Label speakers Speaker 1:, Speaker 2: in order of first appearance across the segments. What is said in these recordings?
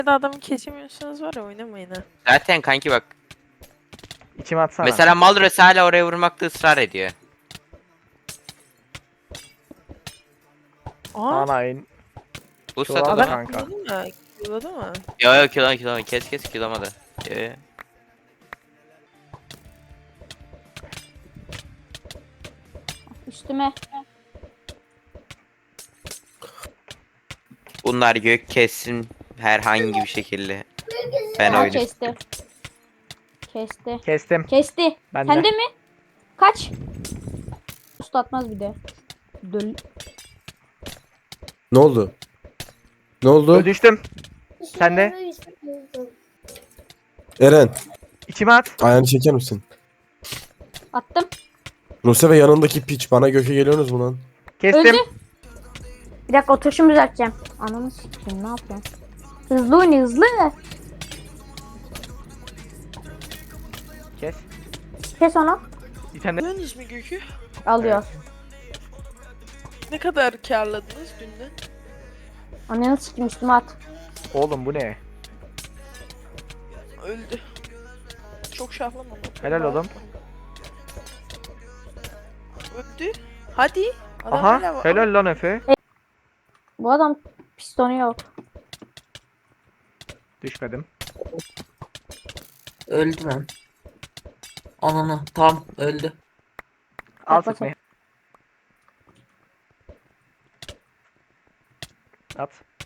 Speaker 1: Adamı kesemiyorsanız var ya oynamayın ha.
Speaker 2: Zaten kanki bak.
Speaker 3: İçime atsana.
Speaker 2: Mesela Malros hala oraya vurmakta ısrar ediyor.
Speaker 1: Aa,
Speaker 3: Anayın.
Speaker 2: Bu
Speaker 3: Çoğaldı
Speaker 2: satıda
Speaker 1: adam
Speaker 2: mı?
Speaker 3: kanka.
Speaker 1: killadı mı? Killadı mı?
Speaker 2: Yo kilama kes kilamadı. Yo.
Speaker 4: Üstüme.
Speaker 2: Bunlar gök kessin herhangi bir şekilde. Ben
Speaker 4: Ha,
Speaker 2: oyunu.
Speaker 4: kesti. Kesti.
Speaker 3: Kestim.
Speaker 4: Kesti.
Speaker 3: Ben
Speaker 4: Sen
Speaker 3: de.
Speaker 4: de mi? Kaç? Usta atmaz bir de. Döl.
Speaker 5: Ne oldu? Ne oldu?
Speaker 3: Düştüm. Sen de.
Speaker 5: Eren,
Speaker 3: İçime at.
Speaker 5: ayağını çeker misin?
Speaker 4: Attım.
Speaker 5: Ruse ve yanındaki piç bana göke geliyorsunuz mu lan?
Speaker 3: Kestim.
Speaker 4: Öldü. Bir dakika oturuşumu düzelteceğim. Ananı sikeyim ne yapıyorsun? Hızlı oyna hızlı.
Speaker 3: Kes.
Speaker 4: Kes onu.
Speaker 3: Bir tane.
Speaker 1: Alıyorsunuz mu Gökü?
Speaker 4: Alıyor.
Speaker 1: Ne kadar karladınız dünden?
Speaker 4: Ananı sikeyim üstüme at.
Speaker 3: Oğlum bu ne?
Speaker 1: Öldü. Çok şahlamadım.
Speaker 3: Helal oğlum.
Speaker 1: Öldü. Hadi. Adam
Speaker 3: Aha.
Speaker 1: hala var.
Speaker 3: Helal lan Efe.
Speaker 4: Bu adam pistonu yok.
Speaker 3: Düşmedim.
Speaker 6: Öldü lan. Ananı tam öldü.
Speaker 3: Al
Speaker 4: Bak, bak,
Speaker 3: sıkmayı. At.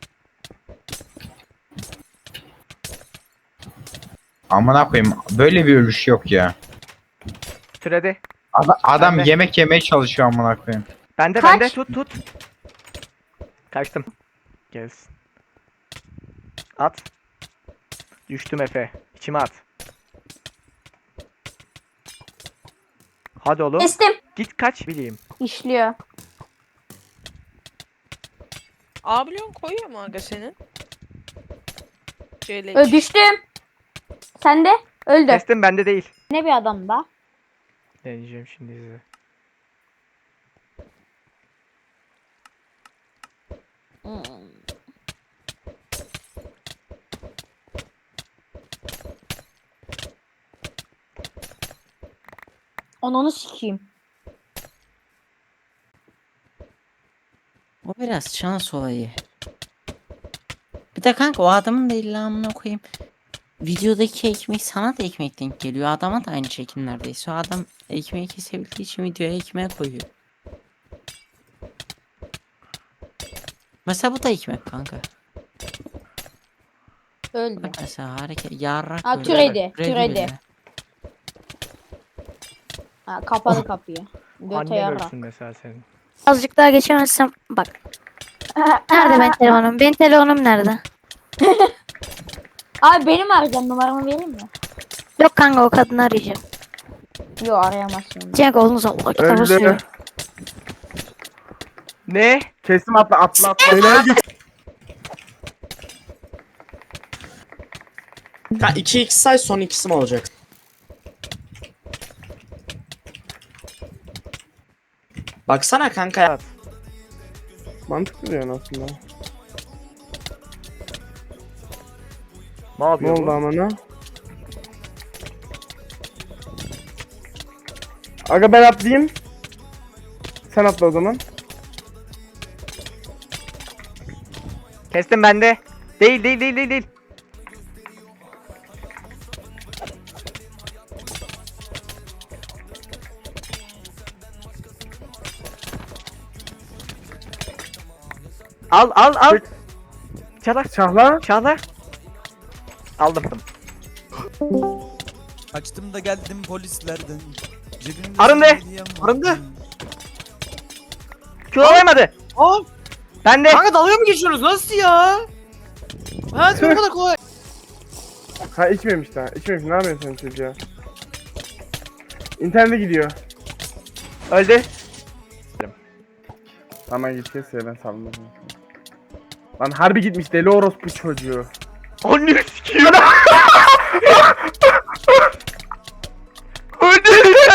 Speaker 7: Amına koyayım böyle bir ölüş yok ya.
Speaker 3: Türedi.
Speaker 7: Adam
Speaker 3: Ben de.
Speaker 7: yemek yemeye çalışıyor amına koyayım.
Speaker 3: Bende
Speaker 4: Kaç?
Speaker 3: bende tut. Kaçtım. Gelsin. At. Düştüm Efe. İçime at. Hadi oğlum.
Speaker 4: Kestim.
Speaker 3: Git kaç bileyim.
Speaker 4: İşliyor.
Speaker 1: Ablon koyuyor mu aga senin? CL.
Speaker 4: Düştüm. Sen de. Öldü.
Speaker 3: Kestim bende değil.
Speaker 4: Ne bir adam da.
Speaker 3: Deneyeceğim şimdi size.
Speaker 4: Ananı sikeyim.
Speaker 8: O biraz şans olayı. Bir de kanka o adamın da illa amına koyayım. Videodaki ekmek sana da ekmek denk geliyor. Adama da aynı şekil neredeyse. O adam ekmeği kesebildiği için videoya ekmeğe koyuyor. Mesela bu da ekmek kanka.
Speaker 4: Öldü.
Speaker 8: Bak mesela hareket yarrak
Speaker 4: Ha,
Speaker 8: böyle.
Speaker 4: türedi,
Speaker 8: Türedi
Speaker 4: türedi.
Speaker 8: bile.
Speaker 4: Ha, kapalı kapıyı. Göte
Speaker 3: Annen
Speaker 4: yarak.
Speaker 3: ölsün mesela senin.
Speaker 9: Azıcık daha geçemezsem bak. Nerede benim telefonum? Benim telefonum nerede?
Speaker 4: Abi benim arayacağım numaramı vereyim mi?
Speaker 9: Yok kanka o kadını arayacağım.
Speaker 4: Yok arayamazsın.
Speaker 9: Cenk oğlunuz Allah kitabı
Speaker 3: Öldü.
Speaker 9: suyu.
Speaker 3: Ne?
Speaker 10: Kestim atla.
Speaker 5: Helal git.
Speaker 10: 2x say son ikisi mi olacak? Baksana kanka ya.
Speaker 11: Mantıklı diyorsun aslında.
Speaker 3: Ne
Speaker 11: Ne
Speaker 3: yapıyor
Speaker 11: oldu
Speaker 3: bu?
Speaker 11: ama ne? Aga ben atlayayım. Sen atla o zaman.
Speaker 3: Kestim bende. Değil. Al.
Speaker 11: Çahla.
Speaker 3: Çağla. Aldım.
Speaker 12: Açtım da geldim polislerden. Cebimde
Speaker 3: Arındı!
Speaker 12: hediyem var.
Speaker 10: Arındı!
Speaker 3: Çoğalayamadı.
Speaker 10: Aa!
Speaker 3: Bende.
Speaker 10: Kanka dalga mı geçiyoruz? Nasıl ya? Ha bu kadar kolay.
Speaker 11: Ha içmemiş daha. İçmemiş. Ne yapıyorsun sen çocuğa? İnternete gidiyor.
Speaker 3: Öldü.
Speaker 11: Tamam git kes ya ben saldım. Lan harbi gitmiş deli orospu çocuğu.
Speaker 3: Anne sikiyor. Öldü.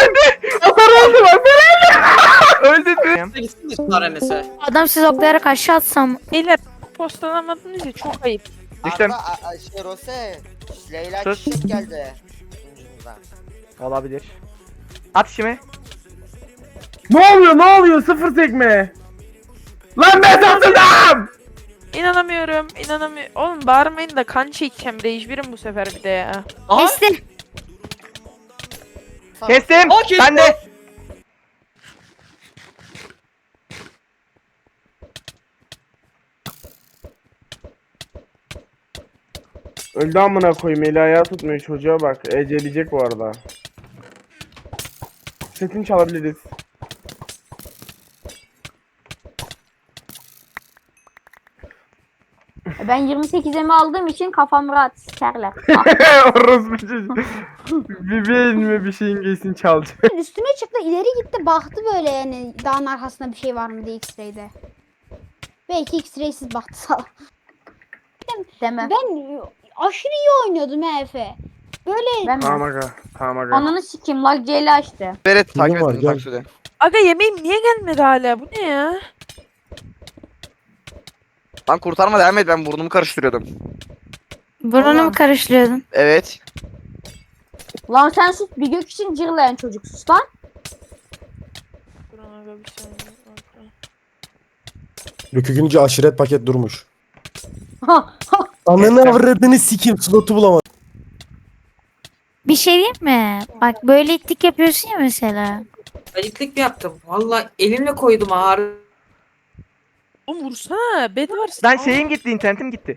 Speaker 3: Öldü.
Speaker 10: Gitsin de sonra nese.
Speaker 9: Adam siz oklayarak aşağı atsam.
Speaker 1: Beyler postalamadınız ya çok ayıp.
Speaker 3: Düştüm.
Speaker 10: Rose. Leyla
Speaker 3: Sus.
Speaker 10: Çiçek geldi. Sunucumuza.
Speaker 3: Olabilir. At işimi.
Speaker 11: Ne oluyor ne oluyor sıfır sekme. Lan ben satıldım.
Speaker 1: İnanamıyorum. Oğlum bağırmayın da kan çekeceğim. Rage 1'im bu sefer bir de ya.
Speaker 10: Aha.
Speaker 9: Kestim.
Speaker 3: Kestim.
Speaker 10: Aa, kestim.
Speaker 3: Ben de.
Speaker 11: Öldü amına koyayım eli ayağı tutmuyor çocuğa bak. Eceleyecek bu arada. Setini çalabiliriz.
Speaker 4: Ben 28'imi aldığım için kafam rahat sikerler.
Speaker 11: Orospu çocuğu. Bir mi bir şeyin giysin çalacak.
Speaker 9: Üstüne çıktı ileri gitti baktı böyle yani dağın arkasında bir şey var mı diye X-ray'de. Belki X-ray'siz baktı salak.
Speaker 4: Deme.
Speaker 9: Ben aşırı iyi oynuyordum ha Efe. Böyle
Speaker 4: Ben
Speaker 11: Tamam
Speaker 4: mi?
Speaker 11: aga. Tamam aga.
Speaker 4: Ananı sikeyim lag C'li açtı.
Speaker 2: Beret
Speaker 5: takip var, edin, gel.
Speaker 1: Aga yemeğim niye gelmedi hala? Bu ne ya?
Speaker 2: Lan kurtarma devam et, ben burnumu karıştırıyordum.
Speaker 9: burnumu mu karıştırıyordun?
Speaker 2: Evet.
Speaker 4: Lan sen sus bir gök için cırlayan çocuk sus lan.
Speaker 1: Durun aga bir saniye.
Speaker 5: Rükükünce aşiret paket durmuş. Ananı avradını sikeyim slotu bulamadım.
Speaker 9: Bir şey diyeyim mi? Bak böyle itlik yapıyorsun ya mesela.
Speaker 6: Ayıklık yaptım. Valla elimle koydum ağır.
Speaker 1: Oğlum vursana. Bed var.
Speaker 3: Lan şeyim gitti, internetim gitti.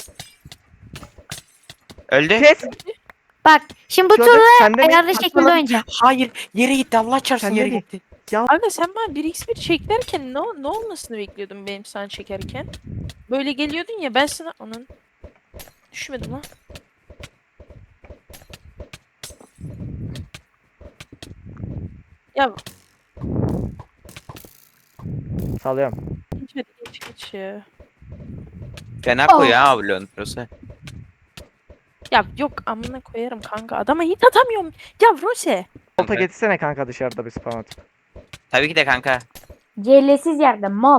Speaker 2: Öldü.
Speaker 3: Kes.
Speaker 9: Bak şimdi bu
Speaker 3: Çocuk,
Speaker 9: turda
Speaker 3: sen de mi?
Speaker 9: ayarlı şekilde oynayacağım.
Speaker 6: Hayır yere gitti Allah çarpsın
Speaker 3: Sen
Speaker 6: yere
Speaker 3: nereye?
Speaker 6: gitti.
Speaker 1: Aga sen bana 1x1 çek derken ne olmasını bekliyordun benim sana çekerken? Böyle geliyordun ya ben sana... Onun... Düşmedim lan. Ya
Speaker 3: Salıyorum.
Speaker 1: geç ya.
Speaker 2: Fena koy ya Ablon. Rose.
Speaker 1: Ya yok amına koyarım kanka. Adama hit atamıyorum. Ya Rose.
Speaker 3: Volta getirsene kanka dışarıda bir spam atıp.
Speaker 2: Tabii ki de kanka.
Speaker 4: C'lesiz yerde mal.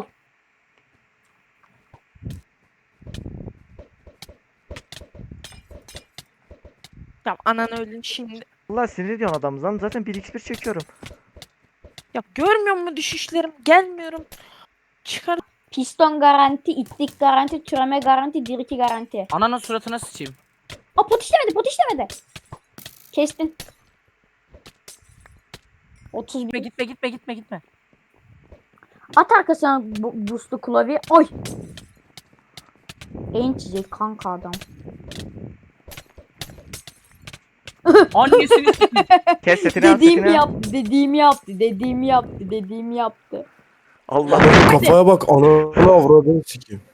Speaker 1: Ya anan öldün şimdi.
Speaker 3: Allah sinir ediyorsun adamızdan. Zaten 1x1 çekiyorum.
Speaker 1: Ya görmüyor musun düşüşlerim? Gelmiyorum. Çıkar.
Speaker 4: Piston garanti, itlik garanti, türeme garanti, diriki garanti.
Speaker 6: Ananın suratına sıçayım.
Speaker 4: Aa pot işlemedi. Kestin. 31.
Speaker 6: Gitme.
Speaker 4: At arkasına boostlu klavye. Oy. En çiçek kanka adam.
Speaker 6: Annesini sikeyim.
Speaker 3: Kes setini al, setini al.
Speaker 4: Dediğimi yaptı.
Speaker 3: Allah.
Speaker 5: Kafaya bak ananı avradını sikeyim.